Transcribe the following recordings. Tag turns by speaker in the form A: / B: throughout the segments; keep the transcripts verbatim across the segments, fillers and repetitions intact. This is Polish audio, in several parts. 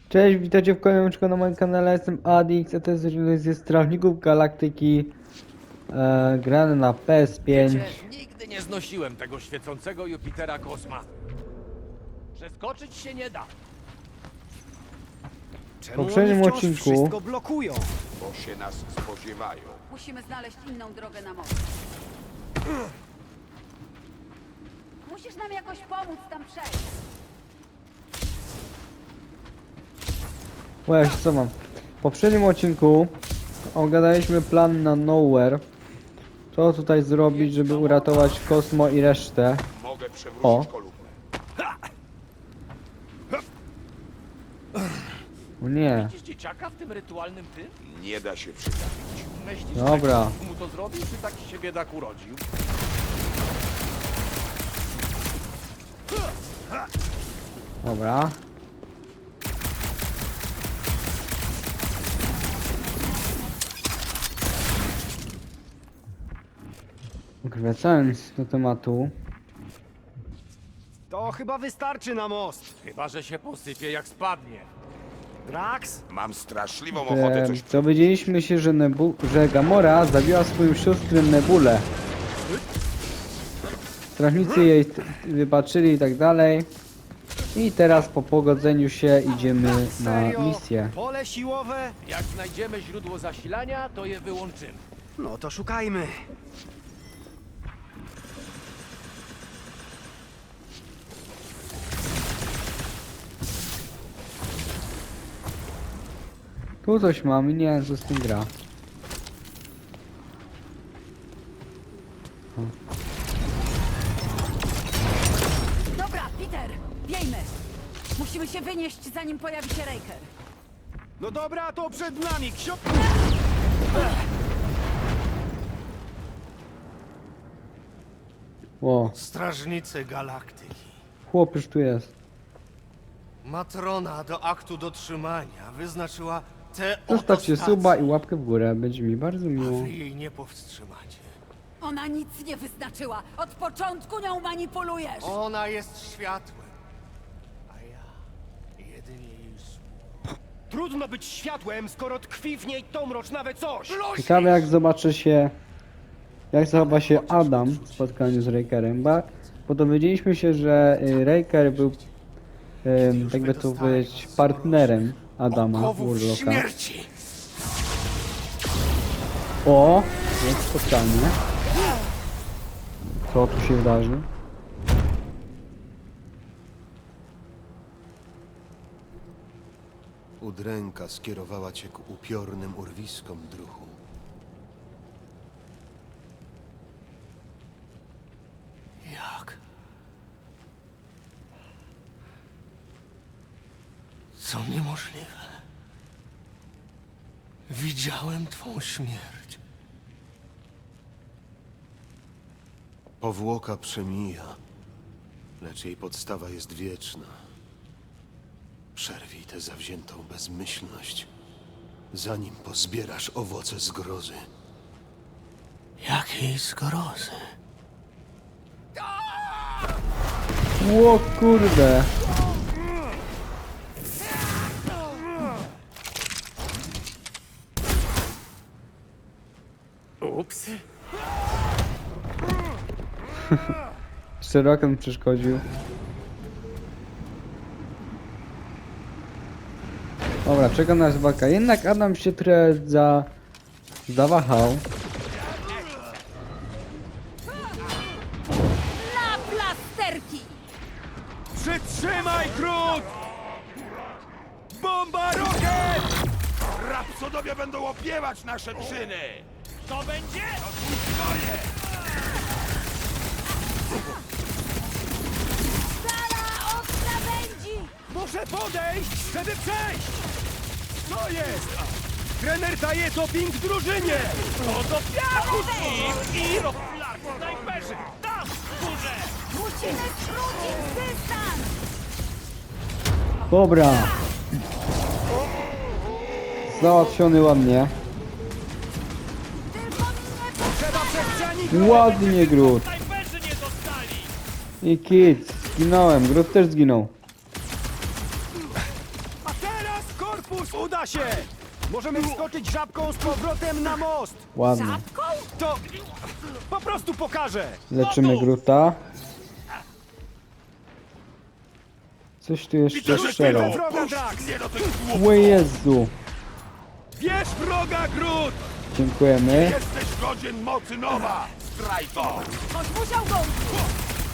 A: Cześć, witajcie w kolejnym odcinku na moim kanale, jestem Adix, a to jest jeden ze Strażników Galaktyki e, grany na P S pięć.
B: Wiecie, nigdy nie znosiłem tego świecącego Jupitera Kosma. Przeskoczyć się nie da.
A: W poprzednim
C: wciąż
A: odcinku
C: wszystko blokują.
D: bo się nas spodziewają.
E: Musimy znaleźć inną drogę na most. Musisz nam jakoś pomóc tam przejść.
A: Właśnie, co mam? W poprzednim odcinku ogadaliśmy plan na Nowhere. Co tutaj zrobić, żeby uratować Kosmo i resztę.
D: Mogę przewrócić
A: O.
D: kolumnę.
A: O nie,
B: Widzisz dzieciaka w tym rytualnym tym?
D: Nie da się przytrafić.
B: Myślisz,
A: Dobra.
B: że ktoś mu to zrobił, czy taki się biedak urodził?
A: dobra. Wracając do tematu.
C: To chyba wystarczy na most.
B: Chyba, że się posypie jak spadnie.
C: Drax?
D: Mam straszliwą ochotę
A: E,
D: coś...
A: dowiedzieliśmy się, że, Nebu że Gamora zabiła swoją siostrę Nebulę. Strażnicy jej t- wybaczyli i tak dalej. I teraz po pogodzeniu się idziemy na
C: Serio?
A: misję.
C: Pole siłowe?
B: Jak znajdziemy źródło zasilania, to je wyłączymy.
C: No to szukajmy.
A: Tu coś mam i nie wiem co z tym gra.
E: Dobra, Peter, wiejmy. Musimy się wynieść, zanim pojawi się Raker.
C: No dobra, to przed nami, ksio...
A: O,
F: Strażnicy Galaktyki.
A: chłop już tu jest.
F: Matrona do aktu dotrzymania wyznaczyła tę
A: Zostawcie
F: oto
A: suba i
F: stację,
A: łapkę w górę, będzie mi bardzo
F: a
A: miło.
F: wy jej nie powstrzymacie.
E: Ona nic nie wyznaczyła. Od początku nią manipulujesz.
F: Ona jest światłem, a ja jedynie jej sług.
C: Trudno być światłem, skoro tkwi w niej tą mrocznawe coś.
A: Ciekawe jak zobaczy się, jak zachowa się Adam w spotkaniu z Rakerem, bo, bo dowiedzieliśmy się, że y, Raker był, y, jakby to powiedzieć, partnerem Adama
F: Okowów
A: Warlocka.
F: śmierci!
A: O, jest spotkanie. Co tu się wydarzy?
G: Udręka skierowała cię ku upiornym urwiskom, druhu.
F: Jak? Co niemożliwe. Widziałem twą śmierć.
G: Powłoka przemija, lecz jej podstawa jest wieczna. Przerwij tę zawziętą bezmyślność, zanim pozbierasz owoce zgrozy.
F: Jakiej zgrozy?
A: Ło kurde!
B: Ups.
A: Szerokem przeszkodził. Dobra, czeka nas walka. Jednak Adam się trochę za... zawahał.
E: Na plasterki!
C: Przytrzymaj, Krut! Bomba rokiet!
D: Rapsodowie będą opiewać nasze czyny!
B: To będzie?
E: Sala od krawędzi!
C: Muszę podejść, żeby przejść! Co jest? Trener daje doping drużynie!
B: To do piachu, Steve! I rozflak, snajperzy! Tam, w górze!
E: Musimy skrócić dystans!
A: Dobra. Załatwiony ładnie.
E: Tylko mnie
C: Trzeba przestrzeni
A: Ładnie, Groot.
B: Snajperzy nie dostali!
A: I kit. Zginąłem. Groot też zginął.
C: A teraz Korpus, uda się! Możemy wskoczyć żabką z powrotem na most!
A: Ładnie.
E: Żabką?
C: To po prostu pokażę!
A: Leczymy Gruta. Coś tu jeszcze
C: Bierz
A: strzelał.
C: wroga, Drax!
D: Nie do tych głupów!
A: O Jezu.
C: Bierz wroga, Groot!
A: Dziękujemy.
D: Jesteś godzien mocy nowa! Zdrajco!
E: Ktoś musiał go użyć.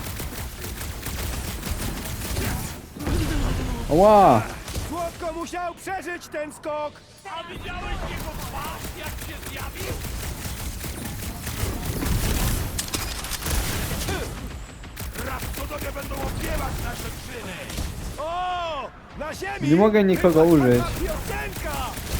A: Ła!
C: Słodko musiał przeżyć ten skok!
B: A widziałeś jego twarz, jak się zjawił?
D: Rapsodowie będą opiewać nasze czyny!
C: O! Na ziemi!
A: Nie mogę nikogo
C: Chyba
A: użyć.
C: taka piosenka!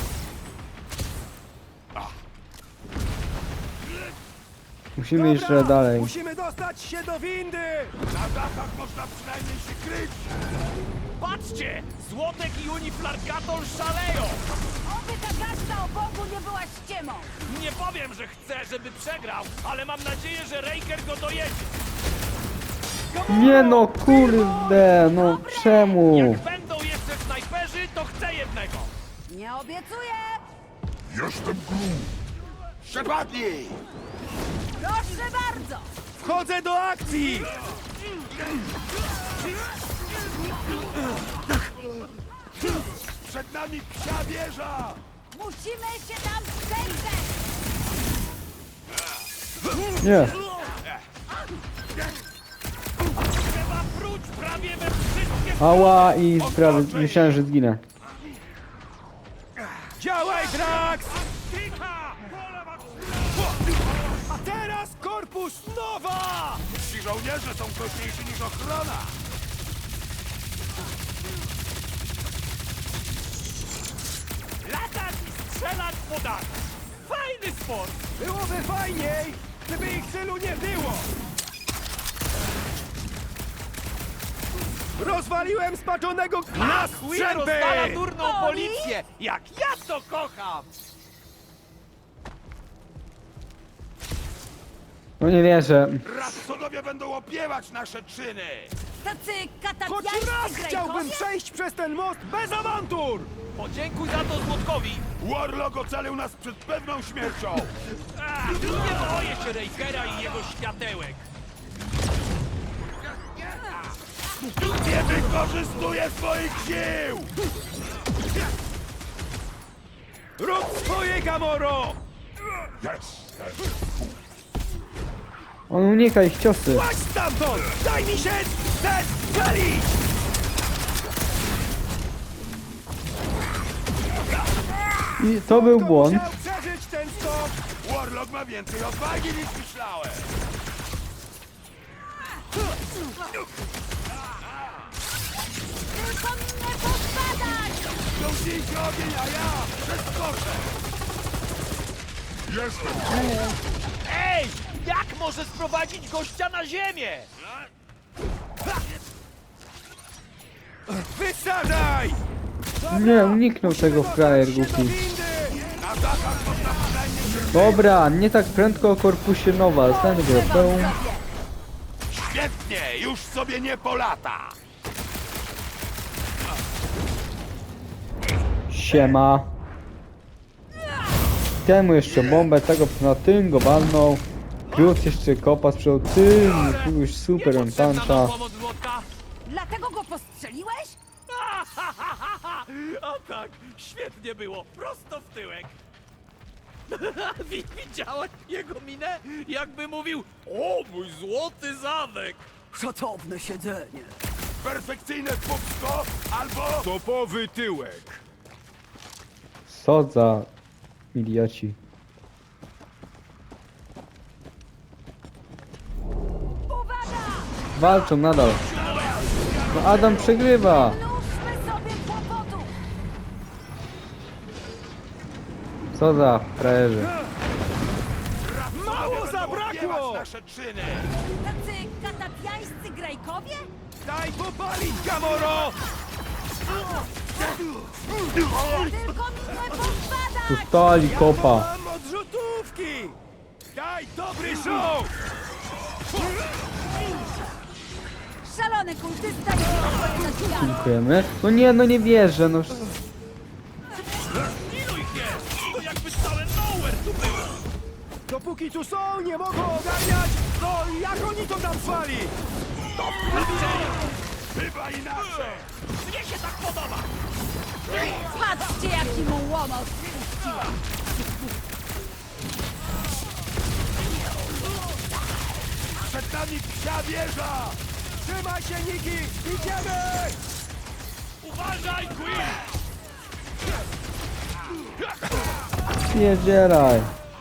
A: Musimy iść
C: Dobra,
A: dalej.
C: Musimy dostać się do windy!
D: Na dachach można przynajmniej się kryć!
B: Patrzcie! Złotek i Uniflargatol szaleją!
E: Oby ta gazda o Bogu nie była ściemą.
B: Nie powiem, że chcę, żeby przegrał, ale mam nadzieję, że Raker go dojedzie.
A: Nie no, kurde, no czemu?
B: Jak będą jeszcze snajperzy, to chcę jednego.
E: Nie obiecuję.
D: Przepadnij!
E: Proszę bardzo.
C: Wchodzę do akcji!
D: Przed nami psia wieża!
E: Musimy się tam przejrzeć.
A: Nie.
B: Trzeba próć prawie we wszystkie...
A: Ała i prawie myślałem, że zginę.
C: Działaj, Drax!
B: Tycha!
C: A teraz korpus nowa!
D: Ci żołnierze są groźniejsi niż ochrona!
B: Latać i strzelać po dach. Fajny sport!
C: Byłoby fajniej, gdyby ich tylu nie było! Rozwaliłem spaczonego na
B: Chuja rozwala
C: strzępy!
B: durną
E: Oli?
B: policję! Jak ja to kocham!
A: No nie wierzę.
D: Rapsodowie będą opiewać nasze czyny!
E: Tacy
C: Choć raz
E: katapiańscy
C: chciałbym
E: grajkowie?
C: przejść przez ten most bez awantur!
B: Podziękuj za to Złotkowi!
D: Warlock ocalił nas przed pewną śmiercią!
B: A, nie boję się Rakera i jego światełek!
D: Nie wykorzystuje swoich sił!
C: Rób swoje, Gamoro!
A: On unika ich ciosy.
C: Płać stamtąd! Daj mi się zestrzelić!
A: I to był
C: Kto
A: błąd.
C: musiał przeżyć ten skok?
D: Warlock ma więcej odwagi niż myślałem!
E: Tylko mi nie podpadać!
D: Ciągnijcie ogień, a ja przeskoczę!
B: Ej! Jak może sprowadzić gościa na ziemię?
C: Wysadzaj!
A: Nie, uniknął tego frajer
C: Dostać się do
A: głupi.
C: windy!
D: Na dachach można przynajmniej się
A: Dobra, nie tak prędko o korpusie nowa. Znajdź go.
E: Używam
A: Pełn.
E: sobie.
D: Świetnie! Już sobie nie polata!
A: Siema. Temu jeszcze bombę, tego na tym go walnął. Groot jeszcze kopa sprzedał tym. Tu już super on
B: Niepotrzebna nam
A: tancza.
B: pomoc Złotka?
E: Dlatego go postrzeliłeś?
B: A tak, świetnie było, prosto w tyłek. Wi- Widziałeś jego minę? Jakby mówił, o mój złoty zamek.
E: Szacowne siedzenie.
D: Perfekcyjne pupsko albo...
C: Topowy tyłek!
A: Co za idioci.
E: Uwaga!
A: Walczą nadal. No Adam przegrywa.
E: Mnóżmy sobie kłopotów.
A: Co za frajerzy.
C: Mało
D: Opiewać
C: zabrakło!
D: nasze czyny!
E: Tacy katapiańscy grajkowie?
C: Daj popalić, Gamoro!
E: Tylko mi nie podpadać!
A: Tu stali kopa.
C: Mam odrzutówki! Daj dobry show!
E: Szalony kultysta jest swoje zasilane.
A: Dziękujemy. No nie, no nie wierzę. No.
C: póki tu są, nie mogą ogarniać! No, jak oni to tam zwali?
D: Chyba inaczej!
B: Mnie się tak podoba!
E: Patrzcie, jaki mu łomot spuściła.
D: Przed nami psia wieża!
C: Trzymaj się, Niki! Idziemy!
B: Uważaj, Quill!
A: Pierdzielaj.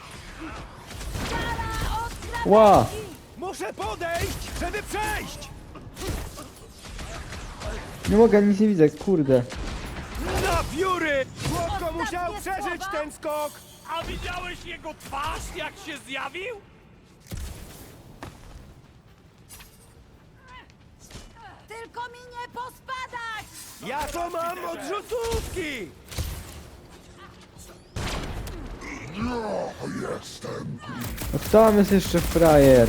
A: Ła!
C: Muszę podejść, żeby przejść!
A: Nie mogę, nic nie widzę, kurde.
C: Na pióry! Chłopko
E: Ostatnie
C: musiał przeżyć
E: słowa?
C: ten skok!
B: A widziałeś jego twarz, jak się zjawił?
E: Tylko mi nie pospadać!
C: Ja to mam odrzutówki!
A: No kto tam jest jeszcze frajer?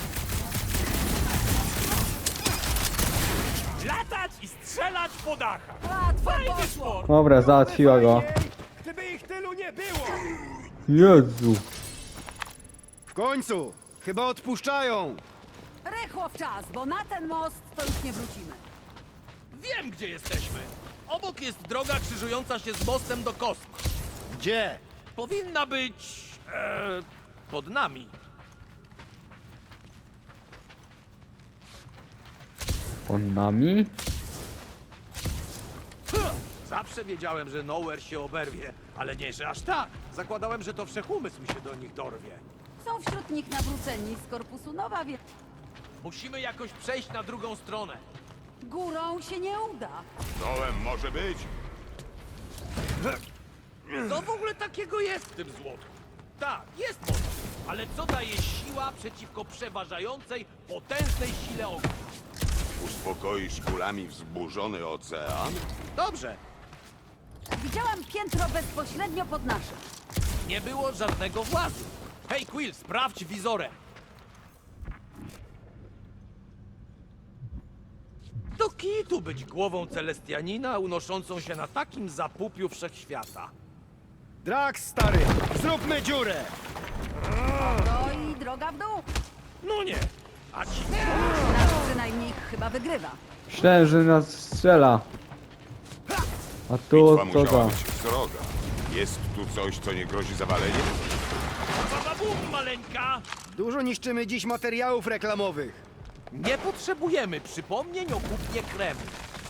B: Latać i strzelać po dachach!
E: Łatwo
B: Fajny
E: poszło!
B: sport!
A: Dobra, załatwiła go.
C: Fajniej, gdyby ich tylu nie było!
A: Jezu.
C: W końcu! Chyba odpuszczają!
E: Rychło w czas, bo na ten most to już nie wrócimy.
B: Wiem, gdzie jesteśmy. Obok jest droga krzyżująca się z mostem do kosma.
C: Gdzie?
B: Powinna być... E, pod nami.
A: On nami?
B: Zawsze wiedziałem, że Nowhere się oberwie, ale nie, że aż tak. Zakładałem, że to wszechumysł się do nich dorwie.
E: Są wśród nich nawróceni z korpusu Nowa, więc
B: Musimy jakoś przejść na drugą stronę.
E: górą się nie uda.
D: Dołem może być.
B: Co w ogóle takiego jest w tym złotku? Tak, jest moc, ale co daje siła przeciwko przeważającej, potężnej sile ognia?
D: Uspokoisz kulami wzburzony ocean?
B: Dobrze,
E: Widziałam piętro bezpośrednio pod naszym.
B: nie było żadnego włazu. Hej Quill, sprawdź wizorem. Do kitu być głową Celestianina unoszącą się na takim zapupiu wszechświata.
C: Drax, stary! Zróbmy dziurę!
E: No i droga w dół.
B: No nie, a ci...
E: Nasz przynajmniej chyba wygrywa.
A: Myślałem, że nas strzela. A tu
D: Bitwa
A: co
D: musiała
A: to?
D: być sroga. Jest tu coś, co nie grozi zawaleniem?
B: Bababum, maleńka!
C: Dużo niszczymy dziś materiałów reklamowych.
B: Nie potrzebujemy przypomnień o kupnie kremu.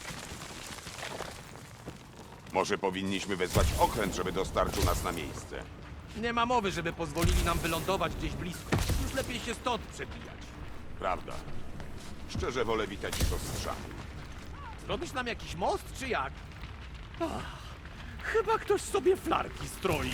D: Może powinniśmy wezwać okręt, żeby dostarczył nas na miejsce.
B: Nie ma mowy, żeby pozwolili nam wylądować gdzieś blisko. Już lepiej się stąd przebijać.
D: Prawda. Szczerze wolę witać ich ostrzami.
B: Zrobisz nam jakiś most, czy jak? Ach, chyba ktoś sobie flarki stroi.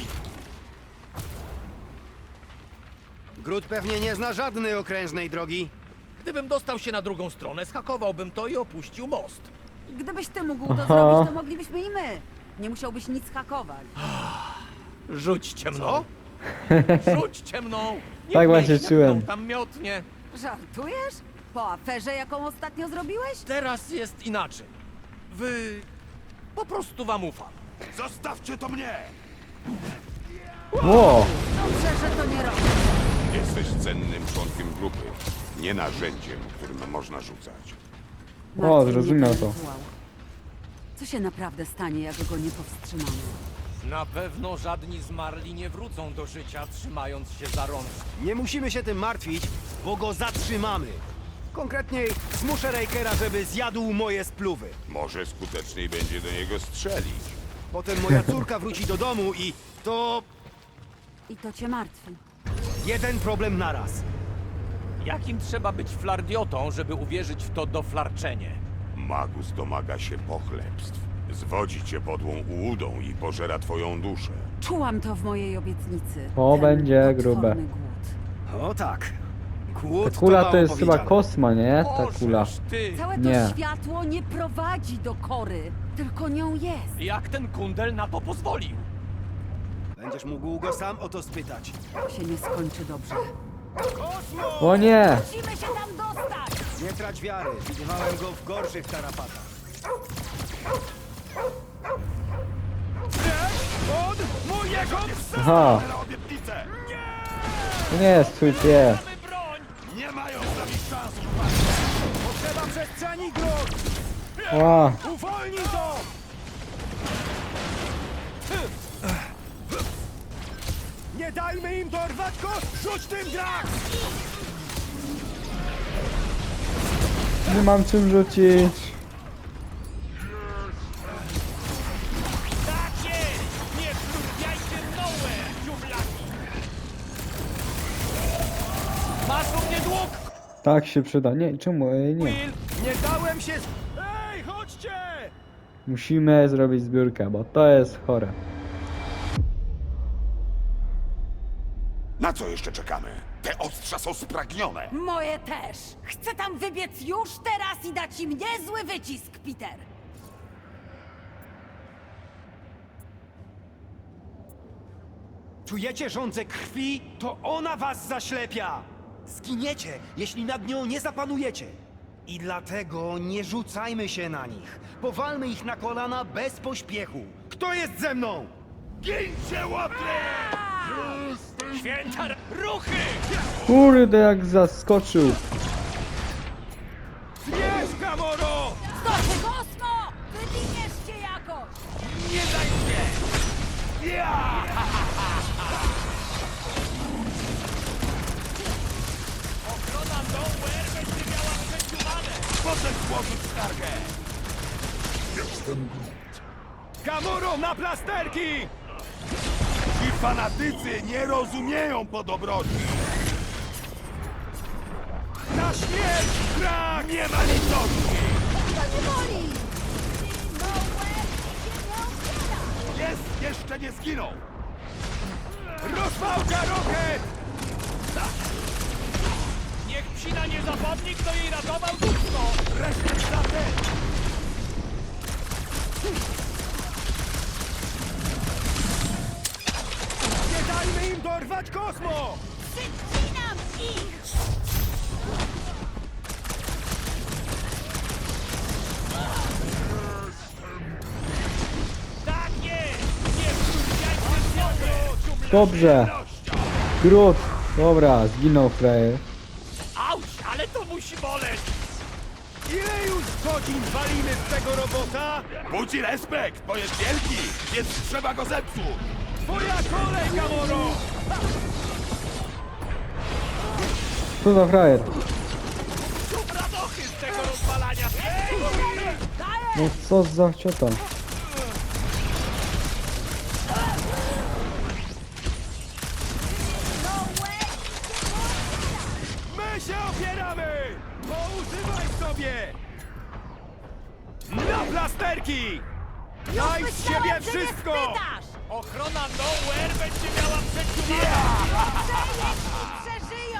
C: Grud pewnie nie zna żadnej okrężnej drogi.
B: Gdybym dostał się na drugą stronę, schakowałbym to i opuścił most.
E: Gdybyś ty mógł to
A: Aha.
E: zrobić, to moglibyśmy i my. Nie musiałbyś nic hakować.
B: Rzućcie mną. Rzućcie mną. Niech
A: Tak
B: mnie
A: właśnie
B: ślepną
A: czułem.
B: tam miotnie.
E: Żartujesz? Po aferze, jaką ostatnio zrobiłeś?
B: Teraz jest inaczej. Wy... Po prostu wam ufam.
D: Zostawcie to mnie!
A: Ło!
E: Dobrze, że to nie robisz.
D: Jesteś cennym członkiem grupy, nie narzędziem, którym można rzucać.
A: O,
E: Martwi
A: zrozumiał
E: mnie
A: to.
E: ten rytuał. Co się naprawdę stanie, jak go nie powstrzymamy?
B: Na pewno żadni zmarli nie wrócą do życia, trzymając się za rączki.
C: Nie musimy się tym martwić, bo go zatrzymamy. Konkretniej, zmuszę Rakera, żeby zjadł moje spluwy.
D: Może skuteczniej będzie do niego strzelić.
C: Potem moja córka wróci do domu i to
E: I to cię martwi.
C: jeden problem naraz.
B: Jakim trzeba być flardiotą, żeby uwierzyć w to doflarczenie?
D: Magus domaga się pochlebstw. Zwodzi cię podłą ułudą i pożera twoją duszę.
E: Czułam to w mojej obietnicy.
A: O,
E: Ten
A: będzie
E: potworny
A: grube.
E: Głód.
C: O tak. Głód
A: Ta kula
C: mało
A: to jest chyba
C: powiedziane.
A: kosma, nie? Ta kula.
B: Bożeż ty!
E: Całe to
A: Nie.
E: światło nie prowadzi do kory, tylko nią jest.
B: Jak ten kundel na to pozwolił?
C: Będziesz mógł go sam o to spytać.
E: To się nie skończy dobrze.
C: Kosmo!
A: O nie!
E: Musimy się tam dostać!
C: Nie trać wiary, widywałem go w gorszych tarapatach. Lecz od mojego psa!
A: Aha!
D: Na obietnicę!
C: Nie!
A: To nie jest twój pies.
B: Mamy broń!
D: Nie mają z nami szans!
C: Potrzeba przestrzeni, Grot!
A: Ła,
C: Uwolnij to! Nie dajmy im dorwać go! Rzuć tym Drax!
A: nie mam czym rzucić.
B: Tak jest! Nie wtrącajcie nowhere, dziuplaki! Masz u mnie dług!
A: Tak się przyda. Nie, czemu? Ej, nie.
B: Will!
C: Nie dałem się... z- Ej, chodźcie!
A: Musimy zrobić zbiórkę, bo to jest chore.
D: Na co jeszcze czekamy? Te ostrza są spragnione!
E: Moje też. Chcę tam wybiec już teraz i dać im niezły wycisk, Peter.
C: Czujecie żądzę krwi? To ona was zaślepia! Zginiecie, jeśli nad nią nie zapanujecie. I dlatego nie rzucajmy się na nich. Powalmy ich na kolana bez pośpiechu. Kto jest ze mną?
D: Gincie łapy!
B: Święta r- ruchy!
A: Kurde, jak zaskoczył.
C: Bierz, Gamoro!
E: Skoczy Kosmo! Wywiniesz się jakoś!
B: Nie daj się! Ja! Ochrona Nowhere będzie miała przeciumane!
D: Potem złożyć skargę!
C: Gamoro, na plasterki!
D: Ci fanatycy nie rozumieją podobroci!
C: Na śmierć, Drax!
D: Nie ma litości!
E: To nie boli! Nowhere się nie otwiera!
D: Jest, jeszcze nie zginął!
C: Rozwałka Rocket!
B: Niech psina nie zapadnie, kto jej ratował dupsko!
C: Resztę za ten! Nie dajmy im dorwać Kosmo!
E: Wycinam ich!
B: Tak jest! Nie wtrącajcie Nowhere, dziuplaki!
A: Dobrze. Grut. Dobra, zginął frajer.
B: Auć, ale to musi boleć!
C: Ile już godzin walimy z tego robota?
D: Budzi respekt, bo jest wielki, więc trzeba go zepsuć!
C: Twoja kolej, Gamoro!
A: Co za frajer?
B: Szum radochy z tego rozwalania! Ej!
A: No co za ciota.
E: Nowhere
C: My się opieramy! Poużywaj sobie! Na plasterki! Daj z siebie
E: myślałem, że nie
C: wszystko!
E: spytasz!
B: Ochrona Nowhere będzie miała przeciumane!
E: Dobrze, jeśli przeżyją!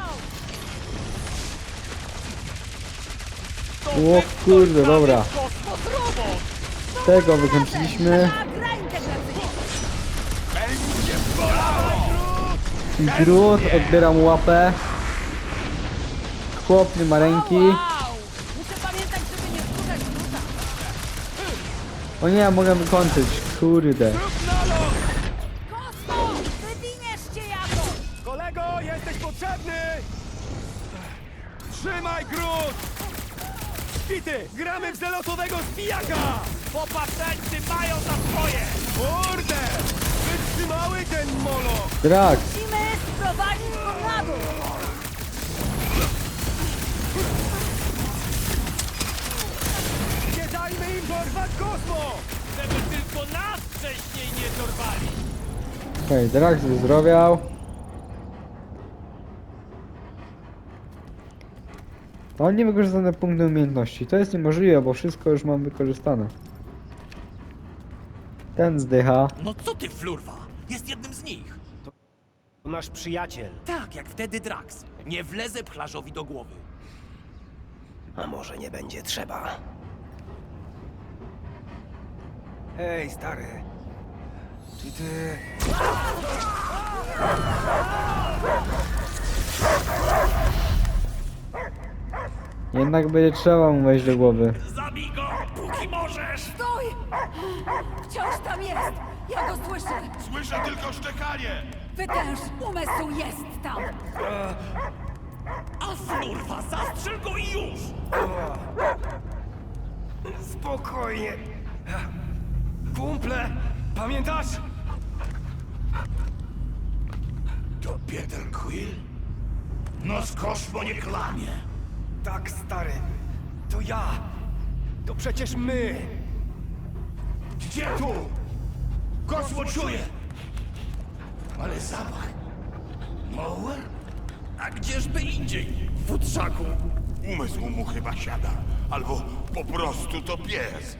B: To
A: O
B: ten
A: kurde,
B: ktoś
A: dobra.
B: prawie Kosmos robot!
A: Tego wykończyliśmy.
E: Na gra integracyjna!
D: Będzie bolało!
A: I Grut, odbiera mu łapę. Chłop nie ma ręki.
E: Wow! Muszę pamiętać, żeby nie wkurzać Gruta.
A: O nie, mogę wykończyć. Kurde.
C: Rób nalot!
E: Kosmo! Wywiniesz się jakoś!
C: Kolego, jesteś potrzebny! Trzymaj Grut! Pity, gramy w zelotowego zbijaka!
B: Popatrzańcy mają za swoje!
C: Kurde! Wytrzymały ten molo!
A: Drax.
E: Musimy sprowadzić go na dół!
C: Nie dajmy im dorwać Kosmo!
B: Żeby tylko nas wcześniej nie dorwali!
A: Okej, Drax wyzdrowiał. Mam niewykorzystane punkty umiejętności. To jest niemożliwe, bo wszystko już mam wykorzystane. Ten zdycha.
B: No co ty, flurwa? Jest jednym z nich!
C: Nasz przyjaciel.
B: Tak, jak wtedy Drax. Nie wlezę pchlarzowi do głowy.
C: A może nie będzie trzeba? Ej, stary. Czy ty...
A: Jednak będzie trzeba mu wejść do głowy.
B: Zabij go, póki możesz!
E: Stój! Wciąż tam jest! Ja go słyszę!
D: Słyszę tylko szczekanie!
E: Wytęż umysł jest tam!
B: A snurwa, zastrzel go i już!
C: Spokojnie. Kumple, pamiętasz?
F: To Peter Quill? No z Kosmo nie kłamie.
C: Tak, stary. To ja. To przecież my.
F: Gdzie tu? Kosmo czuje! Ale zapach. Nowhere?
B: A gdzieżby indziej, w futrzaku?
D: Umysł mu chyba siada. Albo po prostu to pies.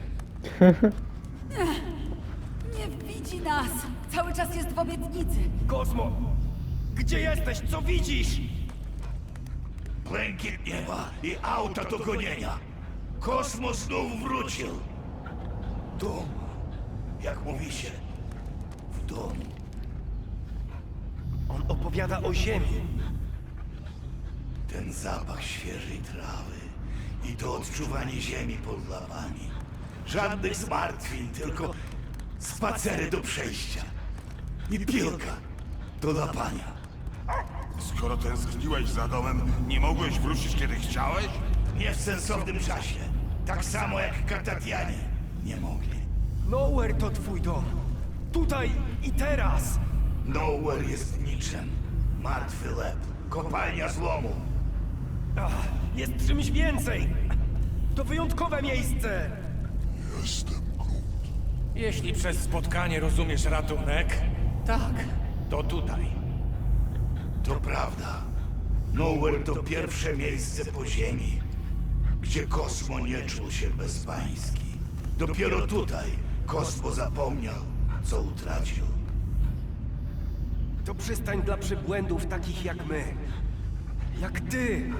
E: Nie widzi nas! Cały czas jest w obietnicy.
C: Kosmo, gdzie jesteś? Co widzisz?
F: Błękit nieba i auta do gonienia. Kosmo znów wrócił. Dom. Jak mówi się? W domu.
C: On opowiada o ziemi.
F: Ten zapach świeżej trawy i to odczuwanie ziemi pod łapami. Żadnych zmartwień, tylko spacery do przejścia. I piłka do łapania.
D: Skoro tęskniłeś za domem, nie mogłeś wrócić kiedy chciałeś?
F: Nie w sensownym czasie. Tak samo jak Katatianie nie mogli.
C: Nowhere to twój dom. Tutaj i teraz.
F: Nowhere jest niczym. Martwy lep. Kopalnia złomu.
C: Ach, jest czymś więcej. To wyjątkowe miejsce.
B: Jeśli przez spotkanie rozumiesz ratunek, tak, to tutaj.
F: To prawda. Nowhere to pierwsze miejsce po ziemi, gdzie Kosmo nie czuł się bezpański. Dopiero tutaj Kosmo zapomniał, co utracił.
C: To przystań dla przybłędów takich jak my. Jak ty.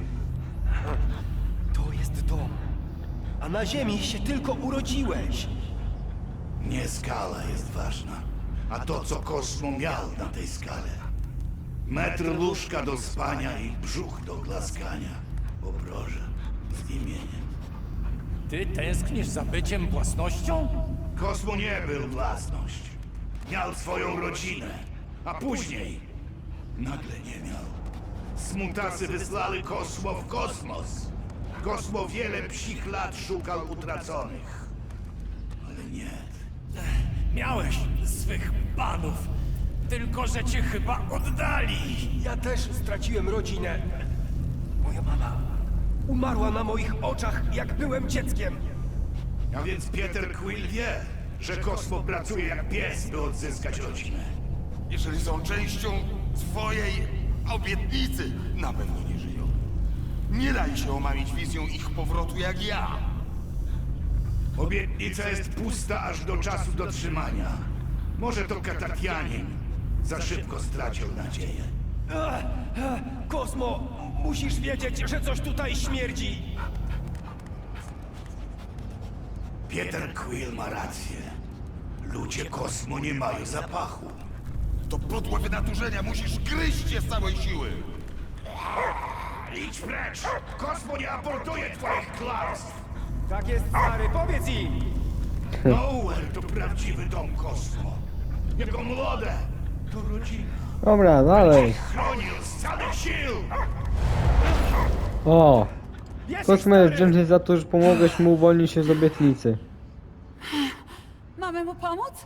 C: To jest dom. A na ziemi się tylko urodziłeś.
F: Nie skala jest ważna, a to, co Kosmo miał na tej skale. Metr łóżka do spania i brzuch do glaskania. Obroże z imieniem.
B: Ty tęsknisz za byciem własnością?
F: Kosmo nie był własność. Miał swoją rodzinę, a później nagle nie miał. Smutasy wysłali Kosmo w kosmos. Kosmo wiele psich lat szukał utraconych. Ale nie.
B: Miałeś swych panów, tylko że cię chyba oddali.
C: Ja też straciłem rodzinę. Moja mama umarła na moich oczach, jak byłem dzieckiem.
F: A więc Peter Quill wie, że Kosmo pracuje jak pies, by odzyskać rodzinę.
D: Jeżeli są częścią twojej obietnicy, na pewno nie żyją. Nie daj się omamić wizją ich powrotu jak ja.
F: Obietnica jest pusta aż do czasu dotrzymania. Może to Katatianin za szybko stracił nadzieję.
C: Ech, ech, Kosmo, musisz wiedzieć, że coś tutaj śmierdzi.
F: Peter Quill ma rację. Ludzie Kosmo nie mają zapachu.
D: To podłe wynaturzenia, musisz gryźć je z całej siły.
F: Idź precz! Kosmo nie aportuje twoich kłamstw!
C: Tak jest, stary, powiedz im.
F: Nowhere to prawdziwy dom Kosmo. Jego młode to rodzina.
A: Dobra, dalej.
F: Chronił z całych sił!
A: O!
C: Jesteś,
A: Kosmo jest
C: stary.
A: wdzięczny za to, że pomogłeś mu uwolnić się z obietnicy.
E: Mamy mu pomóc?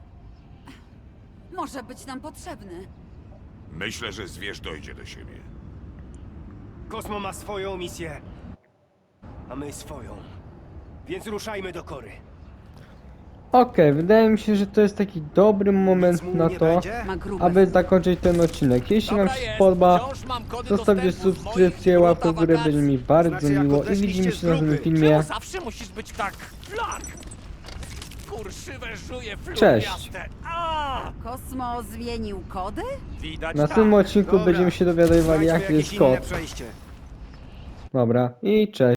E: Może być nam potrzebny.
D: Myślę, że zwierz dojdzie do siebie.
C: Kosmo ma swoją misję, a my swoją. Więc ruszajmy do Kory.
A: Okej, wydaje mi się, że to jest taki dobry moment
C: Nic mu
A: na
C: nie
A: to,
C: będzie?
E: Ma grube
A: aby zakończyć ten odcinek. Jeśli Wam się spodoba, zostawcie subskrypcję, łapkę w górę, będzie mi bardzo
C: Znaczy, jak
A: miło i
C: odeszliście
A: widzimy
C: z
A: się w następnym
C: grupy.
A: filmie.
B: Czemu zawsze musisz być tak flark? Kurszywe żuje
A: Cześć.
B: fluoriaste. A!
E: Kosmo zmienił kody?
B: Widać
A: W następnym
B: tak.
A: odcinku
C: Dobra,
A: będziemy się dowiadywali,
C: znajdźmy
A: jaki
C: jakieś
A: jest
C: inne
A: kod.
C: przejście.
A: Dobra, i cześć.